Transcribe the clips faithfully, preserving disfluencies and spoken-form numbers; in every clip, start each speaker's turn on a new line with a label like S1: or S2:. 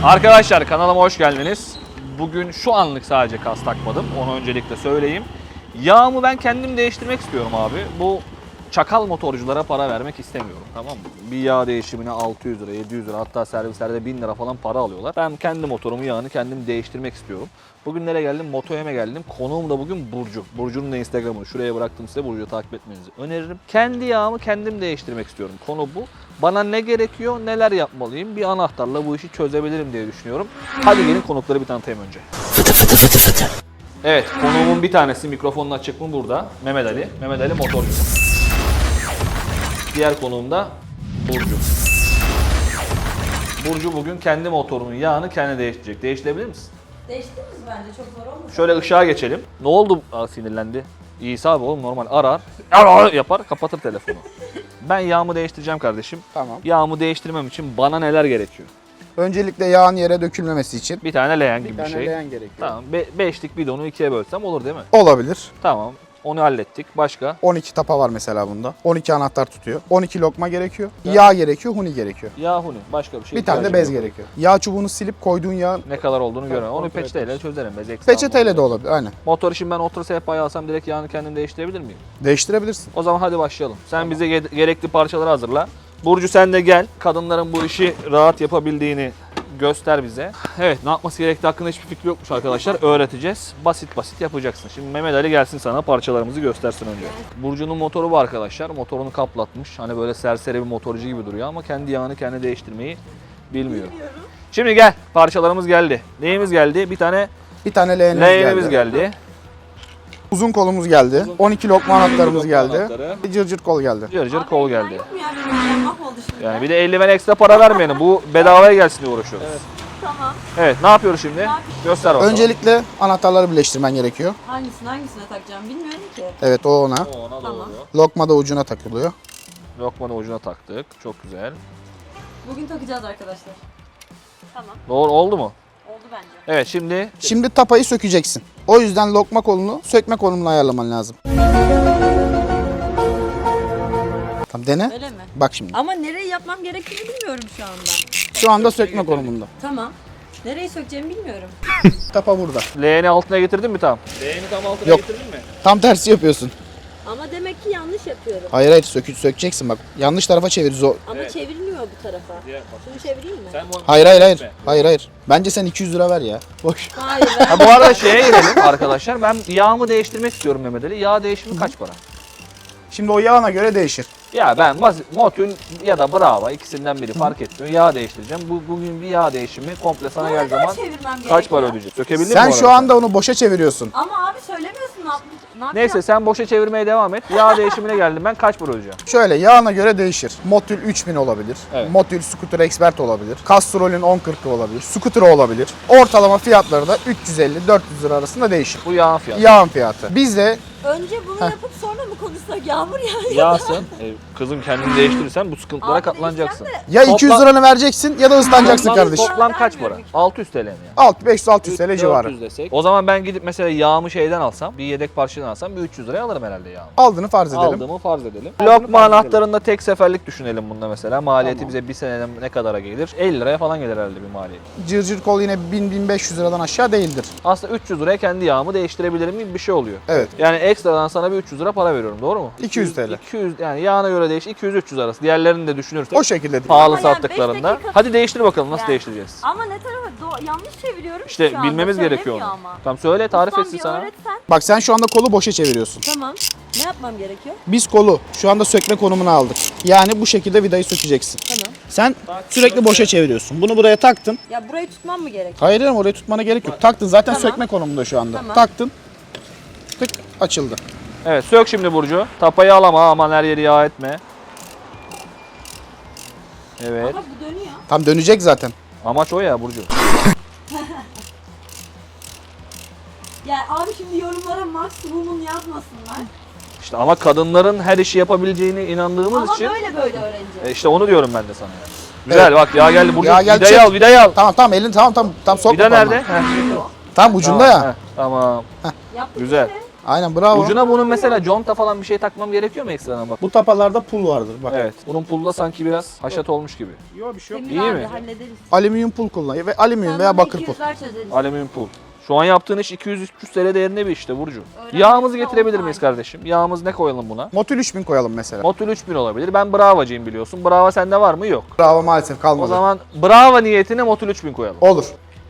S1: Arkadaşlar kanalıma hoş geldiniz. Bugün şu anlık sadece kas takmadım. Onu öncelikle söyleyeyim. Yağımı ben kendim değiştirmek istiyorum abi. Bu çakal motorculara para vermek istemiyorum, tamam mı? Bir yağ değişimine altı yüz lira, yedi yüz lira, hatta servislerde bin lira falan para alıyorlar. Ben kendi motorumu, yağını kendim değiştirmek istiyorum. Bugün nereye geldim? Motoyem'e geldim. Konuğum da bugün Burcu. Burcu'nun da Instagram'ını şuraya bıraktım size. Burcu'yu takip etmenizi öneririm. Kendi yağımı kendim değiştirmek istiyorum. Konu bu. Bana ne gerekiyor, neler yapmalıyım? Bir anahtarla bu işi çözebilirim diye düşünüyorum. Hadi gelin konukları bir tanıtayım önce. Fıtı fıtı fıtı fıtı. Evet, konuğumun bir tanesi, mikrofonun açık mı burada? Mehmet Ali. Mehmet Ali motorcu. Diğer konuğum da Burcu. Burcu bugün kendi motorunun yağını kendi değiştirecek. Değiştirebilir misin?
S2: Değiştiririz bence, çok zor olmuş.
S1: Şöyle ışığa geçelim. Ne oldu? Aa, sinirlendi. İyisi abi oğlum, normal arar, arar yapar, kapatır telefonu. Ben yağımı değiştireceğim kardeşim.
S3: Tamam.
S1: Yağımı değiştirmem için bana neler gerekiyor?
S3: Öncelikle yağın yere dökülmemesi için
S1: Bir tane leğen gibi
S3: bir
S1: bir,
S3: tane
S1: şey.
S3: leğen gerekiyor.
S1: Tamam. Be beşlik bidonu ikiye bölsem olur değil mi?
S3: Olabilir.
S1: Tamam. Onu hallettik. Başka?
S3: on iki tapa var mesela bunda. on iki anahtar tutuyor. on iki lokma gerekiyor. Yağ gerekiyor, huni gerekiyor.
S1: Yağ, huni. Başka bir şey.
S3: Bir tane de
S1: ihtiyacım
S3: bez
S1: yok.
S3: gerekiyor. Yağ çubuğunu silip koyduğun yağ
S1: Ne kadar olduğunu göremem. Onu
S3: kontrol
S1: peçeteyle
S3: ederiz.
S1: çözerim. Bez ekstra
S3: peçeteyle de
S1: olmaz.
S3: olabilir. Aynen.
S1: Motor için ben otur sehpayı alsam direkt yağını kendim değiştirebilir miyim?
S3: Değiştirebilirsin.
S1: O zaman hadi başlayalım. Sen bize ge- gerekli parçaları hazırla. Burcu sen de gel. Kadınların bu işi rahat yapabildiğini göster bize. Evet, ne yapması gerektiği hakkında hiçbir fikri yokmuş arkadaşlar. Öğreteceğiz. Basit basit yapacaksın. Şimdi Mehmet Ali gelsin sana parçalarımızı göstersin önce. Burcu'nun motoru bu arkadaşlar. Motorunu kaplatmış. Hani böyle serseri bir motorcu gibi duruyor ama kendi yağını kendi değiştirmeyi bilmiyor.
S2: Bilmiyorum.
S1: Şimdi gel. Parçalarımız geldi. Neyimiz geldi? Bir tane
S3: Bir tane leğenimiz
S1: leğenimiz
S3: geldi.
S1: geldi.
S3: Uzun kolumuz geldi. on iki lokma anahtarımız
S1: lokma
S3: geldi.
S1: anahtarı.
S3: Bir cırcır kol geldi.
S1: Cır cır
S2: Abi,
S1: kol
S2: eldiven
S1: geldi.
S2: Yok mu ya benim elim mahvoldu şimdi.
S1: Yani bir de eldiven ekstra para vermeyelim. Bu bedavaya gelsin diye uğraşıyoruz. Evet.
S2: Tamam.
S1: Evet, ne yapıyoruz şimdi?
S2: yapıyoruz?
S1: Göster bakalım.
S3: Öncelikle anahtarları birleştirmen gerekiyor.
S2: Hangisini hangisine takacağım bilmiyorum ki.
S3: Evet, o ona.
S1: O ona
S2: Tamam.
S1: doğru.
S3: Lokma da ucuna takılıyor.
S1: Lokmanın ucuna taktık. Çok güzel.
S2: Bugün takacağız arkadaşlar. Tamam.
S1: Doğru oldu mu?
S2: Oldu bence.
S1: Evet, şimdi
S3: Şimdi tapayı sökeceksin. O yüzden lokma kolunu sökme kolunla ayarlaman lazım. Tamam, dene.
S2: Öyle mi?
S3: Bak şimdi.
S2: Ama nereyi yapmam gerektiğini bilmiyorum şu anda.
S3: Şu anda sökme konumunda.
S2: Tamam. Nereyi sökeceğimi bilmiyorum.
S3: Tapa burada.
S1: leğeni altına getirdin mi tam? Leğeni tam altına
S3: Yok.
S1: getirdin mi?
S3: Tam tersi yapıyorsun.
S2: Ama demek ki yanlış yapıyorum.
S3: Hayır hayır sökü, sökeceksin bak. Yanlış tarafa çevir. Zo-
S2: Ama
S1: Evet.
S2: çevrilmiyor bu tarafa.
S1: Diğer bak.
S2: Şunu çevireyim mi?
S1: Sen bu-
S3: Hayır hayır hayır. Hayır hayır. Bence sen iki yüz lira ver ya. Boş.
S2: Hayır. Ben...
S1: Ha, bu arada şeye girelim arkadaşlar. Ben yağımı değiştirmek istiyorum Mehmet Ali. Yağ değişimi kaç para?
S3: Şimdi o yağına göre değişir.
S1: Ya ben basit, Motul ya da Brava ikisinden biri fark etmiyor. Yağ değiştireceğim. Bu, bugün bir yağ değişimi komple sana
S2: Ne
S1: geldiği
S2: kadar
S1: zaman
S2: çevirmem
S1: kaç
S2: gerekiyor?
S1: para ödeyecek? Sökebildin mi
S3: Sen
S1: bu
S3: şu
S1: arada?
S3: anda onu boşa çeviriyorsun.
S2: Ama abi söylemiyorsun ne, yap ne yapacağım?
S1: Neyse sen boşa çevirmeye devam et. Yağ değişimine geldim ben, kaç para ödeyeceğim?
S3: Şöyle yağına göre değişir. Motul üç bin olabilir.
S1: Evet.
S3: Motul Scooter Expert olabilir. Castrol'ün on kırkı olabilir. Scooter olabilir. Ortalama fiyatları da üç yüz elli dört yüz lira arasında değişir.
S1: Bu yağın fiyatı.
S3: Yağın fiyatı. Bizde
S2: Önce bunu yapıp sonra mı konuşsak? Yağmur yağıyor.
S1: Yağsın. E, kızım kendini değiştirirsen bu sıkıntılara
S2: Abi
S1: katlanacaksın.
S3: ya iki yüz
S1: Toplam-
S3: liranı vereceksin ya da ıslanacaksın
S1: Toplam-
S3: kardeşim.
S1: Toplam kaç para? altı yüz T L mi yani?
S3: altı beş yüz altı yüz T L
S1: dört yüz
S3: civarı.
S1: desek. O zaman ben gidip mesela yağımı şeyden alsam, bir yedek parçadan alsam bir üç yüz liraya alırım herhalde yağımı.
S3: Aldığını farz edelim.
S1: Aldığımı farz edelim. Lokma anahtarında tek seferlik düşünelim bunda mesela. Maliyeti
S3: Tamam.
S1: bize bir seneden ne kadara gelir? elli liraya falan gelir herhalde bir maliyet.
S3: Cırcır kol yine bin bin beş yüz liradan aşağı değildir.
S1: Aslında üç yüz liraya kendi yağımı değiştirebilirim gibi bir şey oluyor.
S3: Evet.
S1: Yani ekstradan sana bir üç yüz lira para veriyorum, doğru mu?
S3: iki yüz T L.
S1: iki yüz yani yağına göre değiş iki yüz üç yüz arası. Diğerlerini de düşünürsek
S3: O şekilde.
S1: pahalı
S2: Ama yani
S1: sattıklarında.
S2: beş dakika-
S1: Hadi değiştir bakalım, nasıl
S2: Yani.
S1: değiştireceğiz?
S2: Ama ne tarafa? Do- yanlış çeviriyorum
S1: İşte
S2: şu anda.
S1: bilmemiz gerekiyor
S2: Söylemiyor
S1: onu.
S2: ama.
S1: Tamam söyle, tarif
S2: Ustam,
S1: etsin
S2: bir
S1: sana.
S2: öğretsen.
S3: Bak sen şu anda kolu boşa çeviriyorsun.
S2: Tamam. Ne yapmam gerekiyor?
S3: Biz kolu şu anda sökme konumuna aldık. Yani bu şekilde vidayı sökeceksin.
S2: Tamam.
S3: Sen sürekli boşa çeviriyorsun. Bunu buraya taktın.
S2: Ya burayı tutmam mı gerek?
S3: Hayır canım, oraya tutmana gerek yok. Taktın zaten
S2: Tamam.
S3: sökme konumunda şu anda.
S2: Tamam.
S3: Taktın. Tık açıldı.
S1: Evet, sök şimdi Burcu. Tapayı al ama aman her yeri yağ etme. Evet.
S2: Ama bu dönüyor.
S3: Tam dönecek zaten.
S1: Amaç o ya Burcu.
S2: Ya abi şimdi yorumlara maksimumunu yazmasınlar.
S1: İşte ama kadınların her işi yapabileceğine inandığımız
S2: Ama
S1: için
S2: böyle böyle öğreneceğiz.
S1: e işte onu diyorum ben de sana. Yani. Güzel,
S3: Evet.
S1: bak yağ geldi Burcu.
S3: Yağ geldi,
S1: Vidayı
S3: çek.
S1: al, vidayı al.
S3: Tamam tamam elini tamam tamam tam sokma
S1: Vida
S3: parmağını.
S1: nerede? Heh.
S3: Tam ucunda
S1: Tamam,
S3: ya.
S1: heh, tamam.
S2: Yaptık
S1: Güzel.
S2: işte.
S3: Aynen bravo.
S1: Ucuna bunun mesela conta falan bir şey takmam gerekiyor mu ekstradan bak?
S3: Bu tapalarda pul vardır bak.
S1: Evet. Bunun pulda sanki biraz haşat olmuş gibi.
S3: Yok bir şey yok.
S2: Emir
S1: İyi
S2: abi
S1: mi?
S2: hallederiz.
S3: Alüminyum pul kullanıyor ve alüminyum
S2: Sen
S3: veya
S2: bana
S3: bakır
S2: iki
S3: pul.
S2: yüz ver çözeriz.
S1: Alüminyum pul. Şu an yaptığın iş iki yüz üç yüz T L değerinde bir işte Burcu.
S2: Öğrenmesi
S1: Yağımızı
S2: de
S1: getirebilir
S2: on
S1: miyiz
S2: tane.
S1: kardeşim? Yağımız ne koyalım buna?
S3: Motul üç bin koyalım mesela.
S1: Motul üç bin olabilir. Ben Brava'cıyım biliyorsun. Brava sende var mı? Yok.
S3: Bravo maalesef
S1: O
S3: kalmadı.
S1: zaman Brava niyetine Motul üç bin koyalım.
S3: Olur.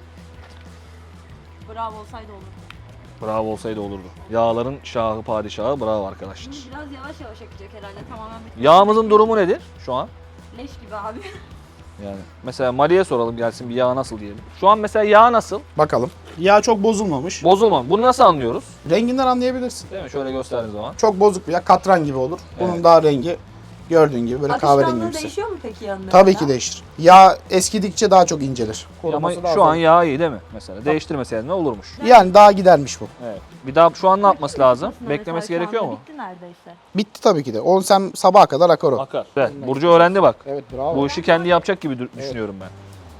S2: Bravo olsaydı olur.
S1: Bravo olsaydı olurdu. Yağların şahı padişahı Bravo arkadaşlar.
S2: Şimdi biraz yavaş yavaş akacak herhalde tamamen bitti.
S1: Yağımızın durumu nedir şu an?
S2: Leş gibi abi.
S1: Yani mesela Mali'ye soralım gelsin bir yağ nasıl diyelim. Şu an mesela yağ nasıl?
S3: Bakalım. Yağ çok bozulmamış.
S1: Bozulma. Bunu nasıl anlıyoruz?
S3: Renginden anlayabilirsin.
S1: Değil mi? Şöyle gösterdiğim zaman.
S3: Çok bozuk bir yağ. Katran gibi olur. Bunun
S1: Evet.
S3: daha rengi gördüğün gibi böyle kahverengi
S2: Akışkanlığı
S3: gibi.
S2: değişiyor mu peki yanında?
S3: Tabii ki değişir. Yağ eskidikçe daha çok incelir.
S1: Ama
S3: Koruması daha
S1: şu
S3: zor.
S1: an yağ iyi değil mi? Mesela değiştirmeseydin ne olurmuş?
S3: Yani daha gidermiş bu.
S1: Evet. Bir daha şu an ne yapması lazım?
S2: Mesela
S1: Beklemesi
S2: şu
S1: gerekiyor
S2: anda
S1: mu?
S2: Bitti neredeyse.
S3: Bitti tabii ki de. Onu sen sabaha kadar akar o.
S1: Akar. Evet. Burcu öğrendi bak.
S3: Evet bravo.
S1: Bu işi kendi yapacak gibi dü- düşünüyorum ben.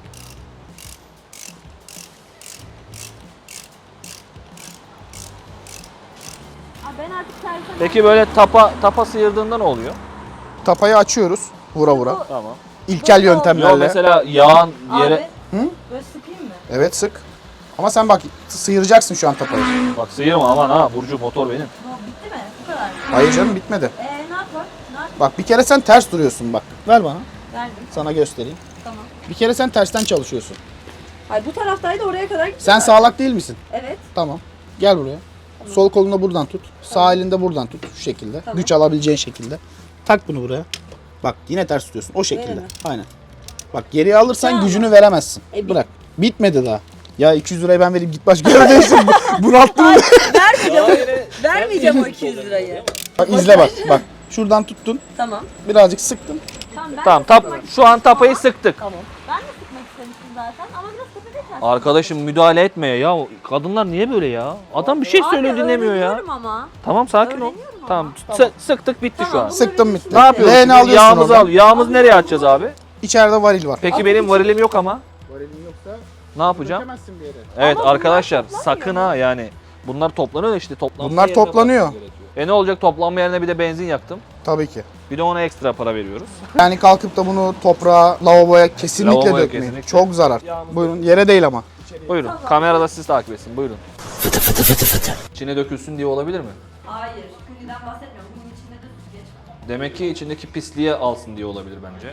S2: Abi ben artık servise...
S1: Peki böyle tapa tapa sıyırdığında ne oluyor?
S3: Tapayı açıyoruz vura vura.
S1: Tamam.
S3: İlkel
S2: Yok,
S3: yöntemlerle.
S1: Yo mesela yağın yere...
S2: Abi
S3: Hı?
S2: böyle sıkayım mı?
S3: Evet sık. Ama sen bak sıyıracaksın şu an tapayı.
S1: Bak sıyırma aman ha Burcu motor benim.
S2: Bu bitti mi? Bu kadar.
S3: Hayır canım bitmedi.
S2: Eee ne yapar? Ne yap?
S3: Bak bir kere sen ters duruyorsun bak. Ver bana.
S2: Verdim.
S3: Sana göstereyim.
S2: Tamam.
S3: Bir kere sen tersten çalışıyorsun.
S2: Hayır bu taraftaydı oraya kadar gitti.
S3: Sen sağlak değil misin?
S2: Evet.
S3: Tamam. Gel buraya. Sol kolunu buradan tut. Sağ elinde buradan tut. Şu şekilde.
S2: Tamam.
S3: Güç alabileceğin şekilde. Tak bunu buraya. Bak yine ters tutuyorsun. O
S2: Öyle
S3: şekilde.
S2: mi?
S3: Aynen. Bak geriye alırsan
S2: Ya.
S3: gücünü veremezsin.
S2: E, bi-
S3: Bırak. Bitmedi daha. Ya iki yüz lirayı ben vereyim git başka yere değilsin. Bunalttın mı?
S2: Vermeyeceğim. Vermeyeceğim o iki yüz lirayı.
S3: Bak izle bak. Bak. Şuradan tuttun.
S2: Tamam.
S3: Birazcık sıktın.
S2: Tamam ben
S1: Tamam
S2: de
S1: tap
S2: sıkmak
S1: şu an tapayı sıktık.
S2: Ben de sıkmak istemiştim zaten ama biraz tepede kaldı.
S1: Arkadaşım müdahale etme ya. Kadınlar niye böyle ya? Adam bir şey söylüyor dinlemiyor ya.
S2: Öğreniyorum ama.
S1: Tamam sakin ol.
S2: Öğreniyorum ama.
S1: Tamam sı- sıktık bitti şu
S2: Tamam,
S1: an.
S2: bu-
S3: Sıktın bitti.
S1: Ne yapıyoruz?
S3: Leğeni
S1: şimdi?
S3: alıyorsun
S1: Yağımızı
S3: oradan.
S1: al. Yağımızı nereye atacağız abi?
S3: İçeride varil var.
S1: Peki
S2: Abi
S1: benim
S2: hiç-
S1: varilim yok ama.
S3: Varilin yoksa
S1: Ne yapacağım?
S3: dökemezsin bir yere.
S1: Evet
S2: bunlar
S1: arkadaşlar
S2: toplanmıyor
S1: sakın
S2: mu?
S1: ha yani. Bunlar toplanıyor da işte toplanma
S3: Bunlar
S1: yerine
S3: toplanıyor.
S1: bakmak gerekiyor. E ne olacak toplanma yerine bir de benzin yaktım.
S3: Tabii ki.
S1: Bir de ona ekstra para veriyoruz.
S3: Yani kalkıp da bunu toprağa, lavaboya kesinlikle
S1: Lavaboya
S3: dökmeyin.
S1: kesinlikle.
S3: Çok zarar.
S1: Yağımız
S3: Buyurun yere değil ama.
S1: Buyurun. Kamerada siz takip etsin. Buyurun. Fıtı fıtı fıtı fıtı. İçine dökülsün diye olabilir mi?
S2: Hayır. Şimdiden bahsetmiyorum. Bunun içinde de süzgeç var.
S1: Demek ki içindeki pisliğe alsın diye olabilir bence.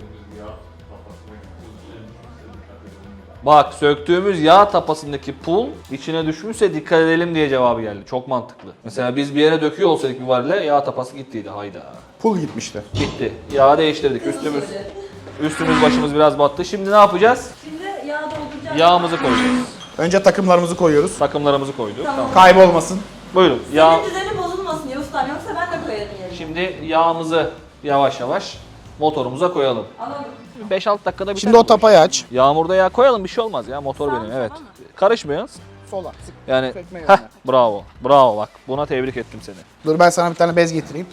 S1: Bak söktüğümüz yağ tapasındaki pul içine düşmüşse dikkat edelim diye cevabı geldi. Çok mantıklı. Mesela biz bir yere döküyor olsaydık bir varile yağ tapası gittiydi. Hayda.
S3: Pul gitmişti.
S1: Gitti. Yağı değiştirdik. Üstümüz üstümüz başımız biraz battı. Şimdi ne yapacağız?
S2: Şimdi yağ dolduracağız.
S1: Yağımızı koyacağız.
S3: Önce takımlarımızı koyuyoruz.
S1: Takımlarımızı koyduk. Tamam.
S3: Kaybolmasın.
S1: Buyurun. Yağ.
S2: Senin düzeni bozulmasın ya ustam yoksa ben de koyarım yerine.
S1: Şimdi yağımızı yavaş yavaş motorumuza koyalım.
S2: Anladım.
S1: beş altı dakikada biter.
S3: Şimdi o
S1: bu iş.
S3: tapayı aç.
S1: Yağmurda yağ koyalım bir şey olmaz ya motor
S2: Sağ
S1: benim
S2: mı,
S1: evet.
S2: sola mı?
S1: Karışmıyoruz.
S3: Sola. Sık.
S1: Yani
S3: Sökme
S1: heh,
S3: yönüne.
S1: bravo. Bravo bak. Buna tebrik ettim seni.
S3: Dur ben sana bir tane bez getireyim.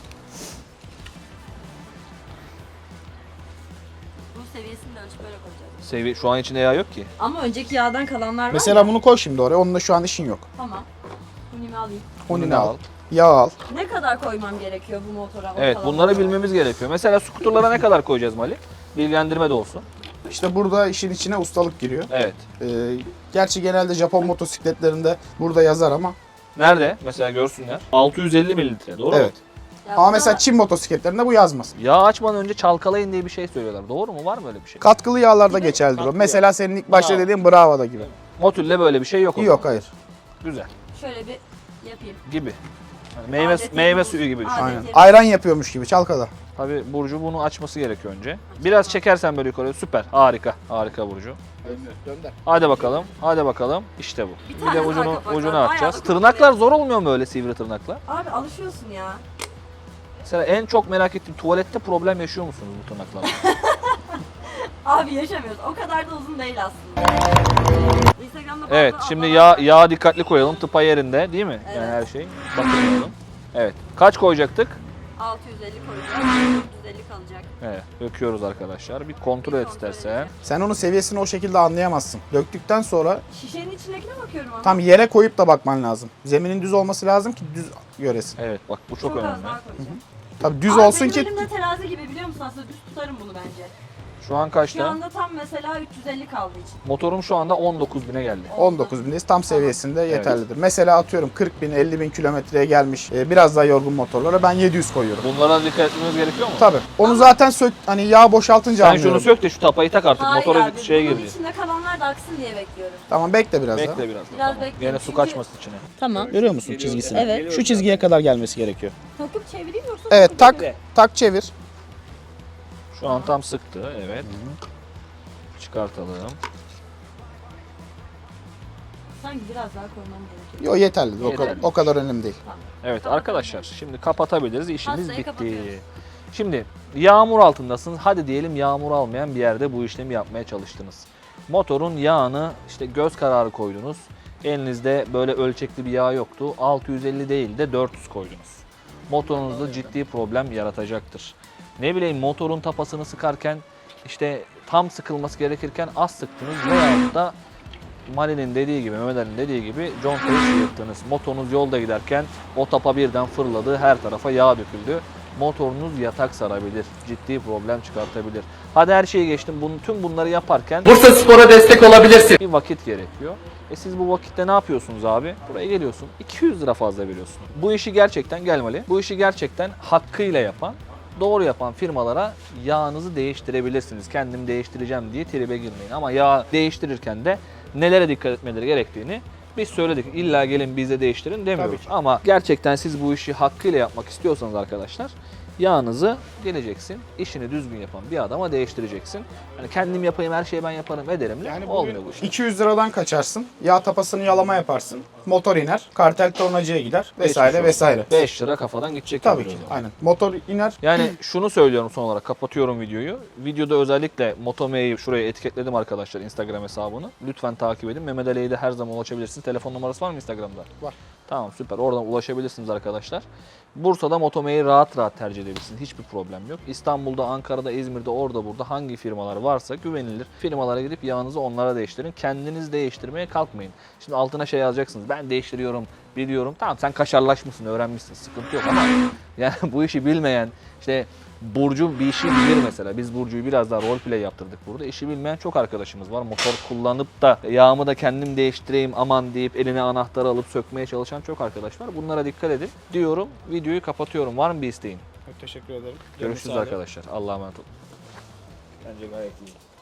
S2: Bu seviyesini de ölçüp böyle koyacağız.
S1: Sevi şu an içinde yağ yok ki.
S2: Ama önceki yağdan kalanlar var
S3: Mesela
S2: ya.
S3: bunu koy şimdi oraya. Onunla şu an işin yok.
S2: Tamam. Bunu alayım.
S3: Onini
S1: Bunu
S3: al.
S1: al.
S3: Yağ al.
S2: Ne kadar koymam gerekiyor bu motora? o
S1: Evet
S2: kalanlara?
S1: bunları bilmemiz gerekiyor. Mesela skuterlara ne kadar koyacağız Mali? Bilgilendirme de olsun.
S3: İşte burada işin içine ustalık giriyor.
S1: Evet.
S3: Ee, gerçi genelde Japon motosikletlerinde burada yazar ama.
S1: Nerede? Mesela görsünler. altı yüz elli mililitre doğru
S3: Evet.
S1: mu?
S2: Ya
S3: Ama
S2: buna-
S3: mesela Çin motosikletlerinde bu yazmaz.
S1: Yağ açmadan önce çalkalayın diye bir şey söylüyorlar. Doğru mu? Var mı öyle bir şey?
S3: Katkılı yağlarda geçerlidir o.
S1: Katkı
S3: Mesela senin ilk başta
S1: Bravo.
S3: dediğin Bravo'da gibi.
S1: Motül'le böyle bir şey yok o
S3: Yok hayır.
S1: zaman. Güzel.
S2: Şöyle bir yapayım.
S1: Gibi. Yani meyve
S2: Adeti
S1: meyve
S2: bu.
S1: suyu gibi düşün.
S2: Adeti.
S3: Aynen. Ayran yapıyormuş gibi çalkala.
S1: Tabii Burcu bunu açması gerekiyor önce. Biraz çekersen böyle yukarı süper. Harika. Harika Burcu.
S3: Gönder.
S1: Hadi bakalım. Hadi bakalım. İşte bu.
S2: Bir
S1: Bir,
S2: tane
S1: de
S2: daha
S1: ucunu
S2: kapak
S1: ucunu
S2: var.
S1: atacağız.
S2: Bayağı
S1: Tırnaklar zor olmuyor mu öyle sivri tırnaklar?
S2: Abi alışıyorsun ya.
S1: Mesela en çok merak ettiğim tuvalette problem yaşıyor musunuz bu tırnaklarla?
S2: Abi yaşamıyoruz. O kadar da uzun değil aslında. Instagram'da
S1: Evet,
S2: bazı
S1: şimdi
S2: ablalar-
S1: yağ yağ dikkatli koyalım. Tıpa yerinde, değil mi? Yani
S2: Evet.
S1: her şey. Bakın. Evet. Kaç koyacaktık?
S2: altı yüz elli koyacağız. dört yüz elli kalacak.
S1: Evet, döküyoruz arkadaşlar. Bir kontrol
S2: Bir
S1: et
S2: kontrol
S1: istersen.
S2: edeceğim.
S3: Sen onun seviyesini o şekilde anlayamazsın. Döktükten sonra
S2: Şişenin içindekine bakıyorum ama.
S3: tam yere koyup da bakman lazım. Zeminin düz olması lazım ki düz göresin.
S1: Evet, bak bu çok,
S2: Çok az
S1: önemli.
S2: daha koyacağım.
S3: Tabii düz
S2: Abi
S3: olsun
S2: benim
S3: ki
S2: elimde terazi gibi biliyor musun? Aslında düz tutarım bunu bence.
S1: Şu an
S2: Şu
S1: kaçta?
S2: anda tam mesela üç yüz elli kaldığı için.
S1: Motorum şu anda on dokuz bine geldi.
S3: on dokuz bindeyiz. Tam seviyesinde yeterlidir. Mesela atıyorum kırk bin, elli bin kilometreye gelmiş e, biraz daha yorgun motorlara ben yedi yüz koyuyorum.
S1: Bunlara dikkat etmemiz gerekiyor mu?
S3: Tabii. Onu zaten sök hani yağ boşaltınca
S1: Sen
S3: anlıyorum.
S1: şunu sök de şu tapayı tak artık.
S2: Hayır
S1: Motora
S2: abi,
S1: şeye
S2: bunun
S1: girdi.
S2: içinde kalanlar da aksın diye bekliyorum.
S3: Tamam bekle biraz daha.
S1: Bekle biraz. da,
S2: Biraz
S1: tamam.
S2: bekleyin
S1: Gene su
S2: çünkü-
S1: kaçmasın içine.
S2: Tamam.
S3: Görüyor musun çizgisini?
S2: Evet.
S3: Şu çizgiye kadar gelmesi gerekiyor.
S2: Takıp çevireyim yoksa
S3: Evet
S2: takıp
S3: tak
S2: çevireyim?
S3: tak çevir.
S1: Şu an tam sıktı. Evet. Çıkartalım.
S2: Sanki biraz daha koymam gerekiyor.
S3: Yo yeterli. O,
S1: Yeterli.
S3: kadar, o kadar önemli değil.
S1: Evet arkadaşlar şimdi kapatabiliriz. İşimiz
S2: Hastayı
S1: bitti.
S2: kapatıyoruz.
S1: Şimdi yağmur altındasınız. Hadi diyelim yağmur almayan bir yerde bu işlemi yapmaya çalıştınız. Motorun yağını işte göz kararı koydunuz. Elinizde böyle ölçekli bir yağ yoktu. altı yüz elli değil de dört yüz koydunuz. Motorunuzda ciddi problem yaratacaktır. Ne bileyim motorun tapasını sıkarken işte tam sıkılması gerekirken az sıktınız veyahut da Mali'nin dediği gibi, Mehmet Ali'nin dediği gibi contayı sıyırttınız. Motorunuz yolda giderken o tapa birden fırladı, her tarafa yağ döküldü. Motorunuz yatak sarabilir, ciddi problem çıkartabilir. Hadi her şeyi geçtim, bunu, tüm bunları yaparken
S4: Bursa Spor'a destek olabilirsin.
S1: bir vakit gerekiyor. E siz bu vakitte ne yapıyorsunuz abi? Buraya geliyorsun, iki yüz lira fazla veriyorsun. Bu işi gerçekten gelmeli. Bu işi gerçekten hakkıyla yapan, doğru yapan firmalara yağınızı değiştirebilirsiniz. Kendim değiştireceğim diye tribe girmeyin. Ama yağ değiştirirken de nelere dikkat etmeleri gerektiğini biz söyledik. İlla gelin bize değiştirin demiyoruz. Ama gerçekten siz bu işi hakkıyla yapmak istiyorsanız arkadaşlar yağınızı geleceksin, işini düzgün yapan bir adama değiştireceksin. Yani kendim yapayım, her şeyi ben yaparım ederim.
S3: Yani
S1: olmuyor bu
S3: bugün
S1: işler.
S3: iki yüz liradan kaçarsın. Yağ tapasını yalama yaparsın. Motor iner. Kartel tornacıya gider. Vesaire
S1: Geçmiş
S3: vesaire.
S1: beş lira kafadan gidecek.
S3: Tabii
S1: yani
S3: ki.
S1: o zaman.
S3: Aynen. Motor iner.
S1: Yani şunu söylüyorum son olarak, kapatıyorum videoyu. Videoda özellikle Motome'yi şuraya etiketledim arkadaşlar, Instagram hesabını. Lütfen takip edin. Mehmet Ali'ye de her zaman ulaşabilirsiniz. Telefon numarası var mı Instagram'da?
S3: Var.
S1: Tamam süper. Oradan ulaşabilirsiniz arkadaşlar. Bursa'da Motome'yi rahat rahat tercih edebilirsiniz. Hiçbir problem yok. İstanbul'da, Ankara'da, İzmir'de, orada burada hangi firmalar varsa güvenilir firmalara gidip yağınızı onlara değiştirin. Kendiniz değiştirmeye kalkmayın. Şimdi altına şey yazacaksınız. Ben değiştiriyorum, biliyorum. Tamam sen kaşarlaşmışsın, öğrenmişsin. Sıkıntı yok ama yani bu işi bilmeyen, işte Burcu bir işi bilir mesela. Biz Burcu'yu biraz daha roleplay yaptırdık burada. İşi bilmeyen çok arkadaşımız var. Motor kullanıp da yağımı da kendim değiştireyim aman deyip eline anahtarı alıp sökmeye çalışan çok arkadaş var. Bunlara dikkat edin diyorum. Videoyu kapatıyorum. Var mı bir isteğin?
S3: Teşekkür ederim.
S1: Görüşürüz arkadaşlar. Allah'a emanet olun.
S3: Bence gayet iyi.